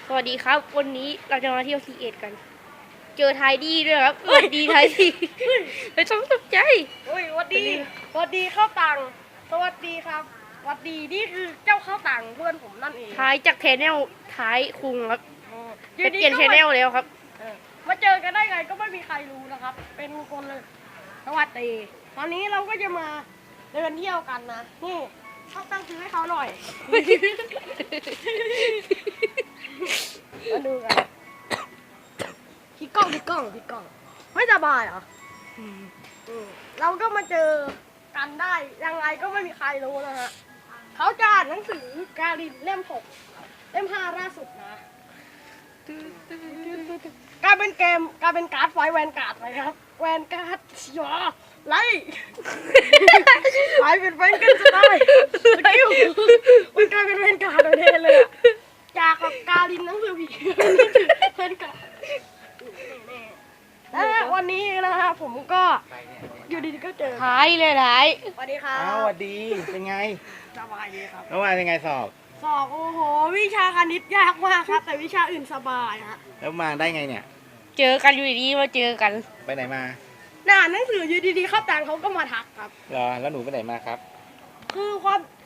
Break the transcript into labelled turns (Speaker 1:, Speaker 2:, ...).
Speaker 1: สวัสดีครับวันนี้เราจะมาเที่ยวC1กันเจอไทยดีด้วยครับสวัสดีไทยดีไม่ต้องตกใจ
Speaker 2: สวัสดีข้าวตังสวัสดีครับสวัสดีนี่คือเจ้าข้าวตังเพื่อนผมนั่นเอง
Speaker 1: ท้ายจากแชนแนลท้ายคุงครับจะเปลี่ยน
Speaker 2: ก็
Speaker 1: แชนแนลแล้วครับ
Speaker 2: มาเจอกันได้ไงก็ไม่มีใครรู้นะครับเป็นคนเลยสวัสดีตอนนี้เราก็จะมาเดินเที่ยวกันนะนี่ข้าวตังซื้อให้เขาหน่อยมาดูกันพี่ก้องไม่สบายเหรอเราก็มาเจอกันได้ยังไงก็ไม่มีใครรู้นะฮะเขาจะอ่านหนังสือการินเล่ม 6 เล่ม 5ล่าสุดนะกลายเป็นการ์ดไฟแวนการ์ดเลยครับแวนการ์ดยอไล่ไฟเป็นแวนกันจะได้สกิลมันกลายเป็นแวนการ์ดเลยอะจากกับการินหนังสือผีแวนการ์ดและวันนี้นะฮะผมก็อยู่ดีๆก็เจอ
Speaker 1: ท้ายเลยท้าย
Speaker 2: สวัสดีครับ
Speaker 3: สวัสดีเป็นไง
Speaker 2: สบายดีครับ
Speaker 3: เมื่อวานเป็นไงสอบ
Speaker 2: โอ้โหวิชาคณิตยากมากครับแต่วิชาอื่นสบายฮะ
Speaker 3: แล้วมาได้ไงเนี่ย
Speaker 1: เจอกันอยู่ดีๆมาเจอกัน
Speaker 3: ไปไหนมา
Speaker 2: หนังสืออยู่ดีๆเข้าต่างเขาก็มาทักครับ
Speaker 3: เหรอแล้วหนูไปไหนมาครับ
Speaker 2: คือความ